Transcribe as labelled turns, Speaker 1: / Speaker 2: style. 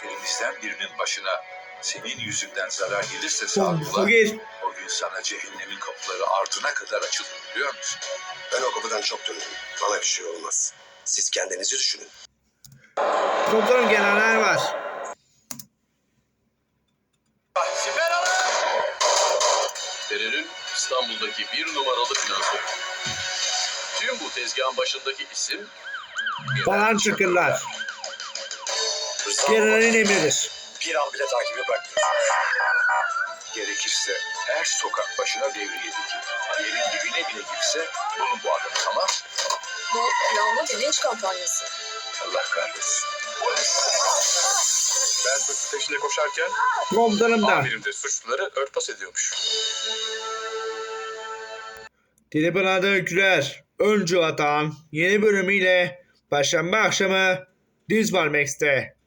Speaker 1: Elimizden birinin başına senin yüzünden zarar gelirse
Speaker 2: Son
Speaker 1: Sadullah,
Speaker 2: gel.
Speaker 1: o gün sana cehennemin kapıları ardına kadar açılır, biliyor musun?
Speaker 3: Ben o kapıdan çok döndüm. Bana bir şey olmaz. Siz kendinizi düşünün.
Speaker 2: Komutanım gelenler var.
Speaker 4: Siper alın! Terörün İstanbul'daki bir numaralı finansörü. Tüm bu tezgahın başındaki isim
Speaker 2: Falan çıkırlar. Generalin emridir.
Speaker 3: Bir an bile takibi bırakmıyor.
Speaker 1: Gerekirse her sokak başına devriye dikin. Yerin dibine bile girse bulun bu adamı, tamam?
Speaker 5: Bu planlı bir linç kampanyası.
Speaker 1: Allah kahretsin.
Speaker 4: ben suçlu peşine koşarken
Speaker 2: Komutanım da.
Speaker 4: amirim de suçluları örtbas ediyormuş.
Speaker 2: Tribunada Öyküler Öncü Vatan yeni bölümüyle Perşembe akşamı Dizbar Max'te.